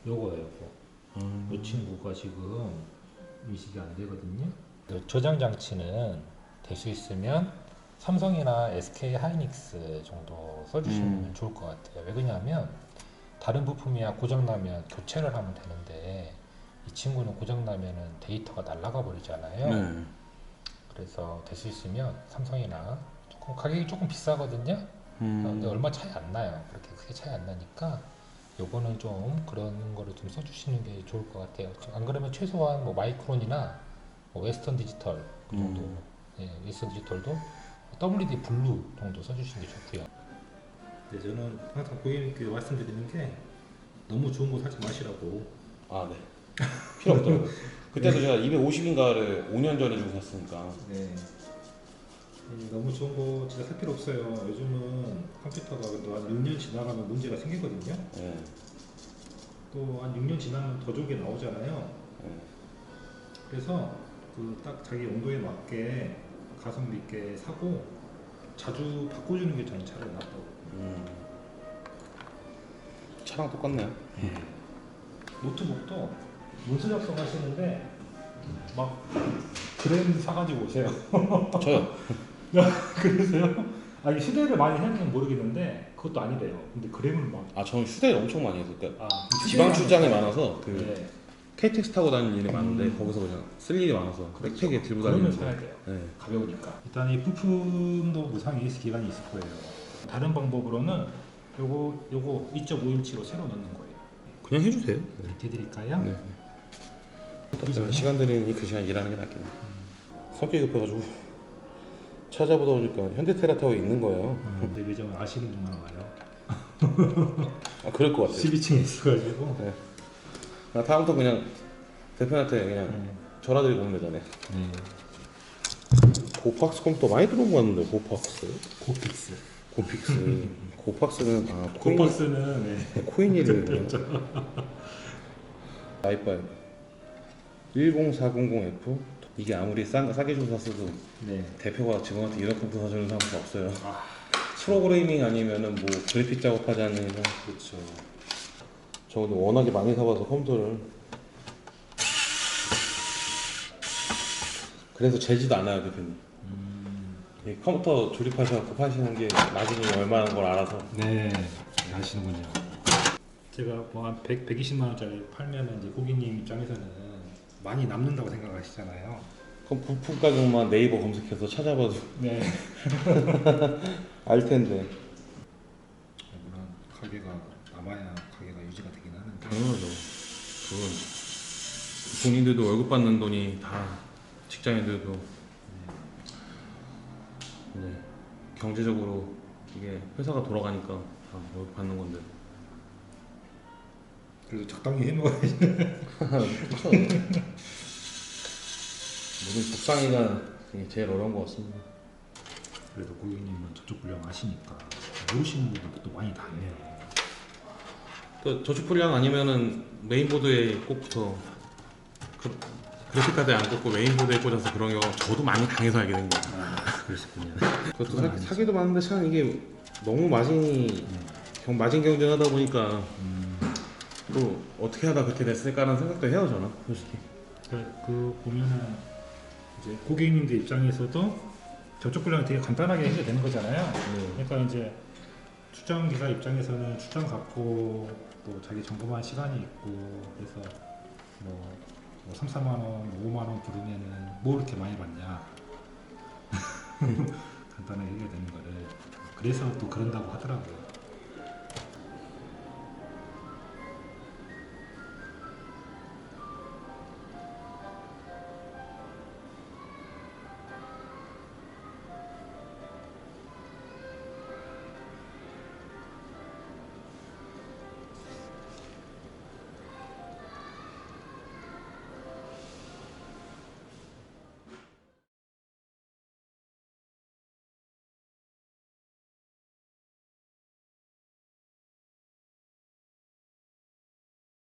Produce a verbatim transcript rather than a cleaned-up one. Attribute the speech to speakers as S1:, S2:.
S1: 요거예요, 요거.
S2: 음.
S1: 이 친구가 지금 인식이 안 되거든요. 저장 장치는 될 수 있으면 삼성이나 에스케이 하이닉스 정도 써주시면
S2: 음.
S1: 좋을 것 같아요. 왜 그러냐면 다른 부품이야 고장나면 교체를 하면 되는데 이 친구는 고장나면은 데이터가 날아가 버리잖아요.
S2: 네.
S1: 그래서 될 수 있으면 삼성이나 조금 가격이 조금 비싸거든요.
S2: 음.
S1: 근데 얼마 차이 안 나요. 그렇게 크게 차이 안 나니까 요거는 좀 그런 거를 좀 써주시는 게 좋을 것 같아요. 안 그러면 최소한 뭐 마이크론이나 뭐 웨스턴 디지털 그 정도,
S2: 음.
S1: 예, 웨스턴 디지털도 더블유디 블루 정도 써주시는 게 좋고요. 네, 저는 항상 고객님께 말씀드리는 게 너무 좋은 거 사지 마시라고.
S2: 아, 네. 필요 없더라고요. 그때도 제가 이백오십인가를 오 년 전에 주고 샀으니까.
S1: 네. 이 너무 좋은 거 진짜 살 필요 없어요. 요즘은 컴퓨터가 또 한 육 년 지나가면 문제가 생기거든요.
S2: 네.
S1: 또 한 육 년 지나면 더 좋은 게 나오잖아요.
S2: 네.
S1: 그래서 그 딱 자기 용도에 맞게 가성비 있게 사고 자주 바꿔주는 게 저는 차라리 낫다고.
S2: 음. 차랑 똑같네요.
S1: 노트북도 문서 작성하시는데 막 그램 사가지고 오세요.
S2: 저요.
S1: 그러세요? 아, 이게 휴대를 많이 했는지 모르겠는데 그것도 아니래요. 근데 그램을 막
S2: 아, 저는 휴대를 엄청 많이 해서 그러니까
S1: 아,
S2: 지방
S1: 휴대를
S2: 출장이
S1: 하니까.
S2: 많아서 그
S1: 네.
S2: 케이티엑스 타고 다니는 일이 많은데
S1: 음.
S2: 거기서 그냥 쓸 일이 많아서
S1: 그렇죠.
S2: 백팩에 들고
S1: 그러면
S2: 다니는데.
S1: 사야 돼요.
S2: 네.
S1: 가벼우니까. 일단 이 부품도 무상 이에스 기간이 있을 거예요. 다른 방법으로는 요거 요거 이 점 오 인치로 새로 넣는 거예요.
S2: 그냥 해주세요.
S1: 이렇게 드릴까요?
S2: 네. 네. 시간 들이니 그 시간 일하는 게 낫겠네. 성격이 급해가지고 찾아보다 보니까 현대테라타워에 있는 거예요.
S1: 음, 내 매장을 아시는 분만 와요.
S2: 아, 그럴 것 같아요.
S1: 십이 층에 있어가지고.
S2: 네. 나 다음부터 그냥 대표한테 그냥
S1: 음.
S2: 전화드리고 오면 되잖아요.
S1: 네.
S2: 고팍스 컴퓨터 많이 들어온 거 같는데. 고팍스,
S1: 고픽스.
S2: 고픽스, 고팍스는 아 코인,
S1: 고박스는 네.
S2: 코인이를 아이파이 일공사공공 에프 이게 아무리 싸, 싸게 주고 샀어도
S1: 네.
S2: 대표가 직원한테 이런 컴퓨터 사주는 사람도 없어요.
S1: 아,
S2: 프로그래밍 아니면은 뭐 그래픽 작업하지 않는 이상.
S1: 그렇죠.
S2: 저도 워낙에 많이 사봐서 컴퓨터를. 그래서 재지도 않아요, 대표님.
S1: 음.
S2: 이 컴퓨터 조립하셔서 파시는 게 마진이 얼마인 걸 알아서.
S1: 네. 네, 아시는군요. 제가 뭐한 백, 백이십만 원짜리 팔면 이제 고객님 입장에서는 많이 남는다고 생각하시잖아요.
S2: 그럼 부품 가격만 네이버 검색해서 찾아봐도
S1: 네.
S2: 알 텐데.
S1: 물론 가게가 남아야 가게가 유지가 되긴 하는데.
S2: 당연하죠. 그건 본인들도 월급 받는 돈이 다 직장인들도 네. 경제적으로 이게 회사가 돌아가니까 다 월급 받는 건데.
S1: 그래도 적당히 해놓아야지.
S2: 그렇죠. 모든 복상이가 제일 어려운 것 같습니다.
S1: 그래도 고객님은 저쪽 분량 아시니까 모르시는 분들도 또 많이 다녀요.
S2: 또 저축 불량 아니면은 메인보드에 꼽부터 그, 그래픽카드에 안 꼽고 메인보드에 꽂아서 그런 경우 저도 많이 당해서 알게 된 거예요.
S1: 아, 그러셨군요.
S2: 그것도 사, 사기도 많은데 참 이게 너무 마진이 경, 마진 경쟁하다 보니까
S1: 음,
S2: 또 어떻게 하다 그렇게 됐을까라는 생각도 해요 저는 솔직히.
S1: 그, 그 보면은 이제 고객님들 입장에서도 저쪽 분량이 되게 간단하게 해결되는 거잖아요.
S2: 네.
S1: 그러니까 이제 출장 기사 입장에서는 출장 갖고 또 자기 점검할 시간이 있고 그래서 뭐, 뭐 삼, 사만 원, 오만 원 부르면은 뭐 이렇게 많이 받냐. 간단하게 해결되는 거를 그래서 또 그런다고 하더라고요.